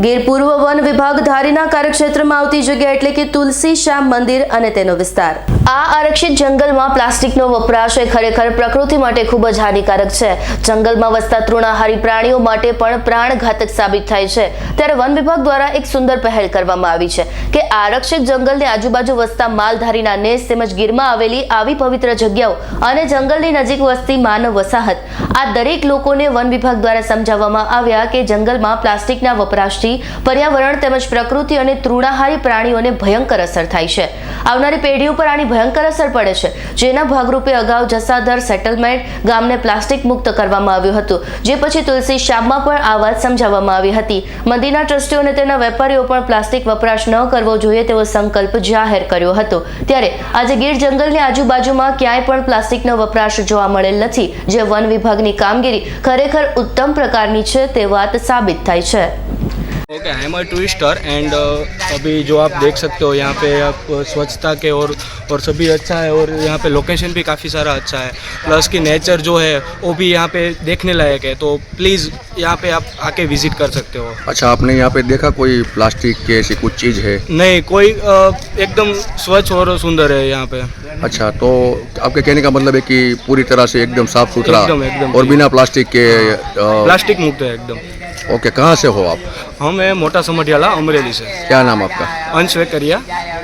ગીર પૂર્વ વન વિભાગ ધારીના કાર્યક્ષેત્રમાં આવતી જગ્યા એટલે કે તુલસી શ્યામ મંદિર અને તેનો વિસ્તાર। આ આરક્ષિત જંગલમાં પ્લાસ્ટિકનો વપરાશ એ ખરેખર પ્રકૃતિ માટે ખૂબ જ હાનિકારક છે। જંગલમાં વસતા તૃણાહારી પ્રાણીઓ માટે પણ પ્રાણઘાતક સાબિત થાય છે। ત્યારે વન વિભાગ દ્વારા એક સુંદર પહેલ કરવામાં આવી છે કે આરક્ષિત જંગલની આજુબાજુ વસતા માલધારીના નેસ તેમજ ગીરમાં આવેલી આવી પવિત્ર જગ્યાઓ અને જંગલની નજીક વસતી માનવ વસાહત આ દરેક લોકોને વન વિભાગ દ્વારા સમજાવવામાં આવ્યા કે જંગલમાં પ્લાસ્ટિકના વપરાશ पर्यावरण તેમજ પ્રકૃતિ અને તૃણાહારી પ્રાણીઓને ભયંકર અસર થાય છે। આવનારી પેઢીઓ પર આની ભયંકર અસર પડે છે, જેના ભાગરૂપે અગાઉ જસાદર સેટલમેન્ટ ગામને પ્લાસ્ટિક મુક્ત કરવામાં આવ્યું હતું, જે પછી તુલસી શ્યામમાં પણ આ વાત સમજાવવામાં આવી હતી। મંદિરના ટ્રસ્ટીઓ અને તેના વેપારીઓ પણ પ્લાસ્ટિક વપરાશ ન કરવો જોઈએ તેવો સંકલ્પ જાહેર કર્યો હતો। ત્યારે આજે ગીર જંગલની આજુબાજુમાં ક્યાંય પણ પ્લાસ્ટિકનો વપરાશ જોવા મળેલ નથી, જે વન વિભાગની કામગીરી ખરેખર ઉત્તમ પ્રકારની છે તે વાત साबित થાય છે। Okay, I am a tourist and अभी जो आप देख सकते हो यहाँ पे आप स्वच्छता के और सभी अच्छा है और यहाँ पे लोकेशन भी काफ़ी सारा अच्छा है, प्लस कि नेचर जो है वो भी यहाँ पे देखने लायक है, तो प्लीज़ यहाँ पे आप आके विजिट कर सकते हो। अच्छा, आपने यहाँ पे देखा कोई प्लास्टिक के ऐसी कुछ चीज़ है? नहीं, कोई एकदम स्वच्छ और सुंदर है यहाँ पे। अच्छा, तो आपके कहने का मतलब है कि पूरी तरह से एकदम साफ सुथरा एकदम और बिना प्लास्टिक के प्लास्टिक मुक्त है एकदम। ओके, कहाँ से हो आप? हम है मोटा समटियाला अमरेली से। क्या नाम आपका? अंश वेकरिया।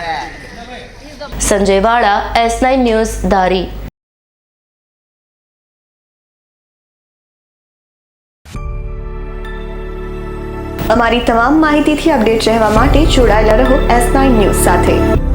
संजय वाड़ा, S9 न्यूज़, धारी। અમારી તમામ માહિતીથી અપડેટ રહેવા માટે જોડાયેલા રહો S9 ન્યૂઝ સાથે।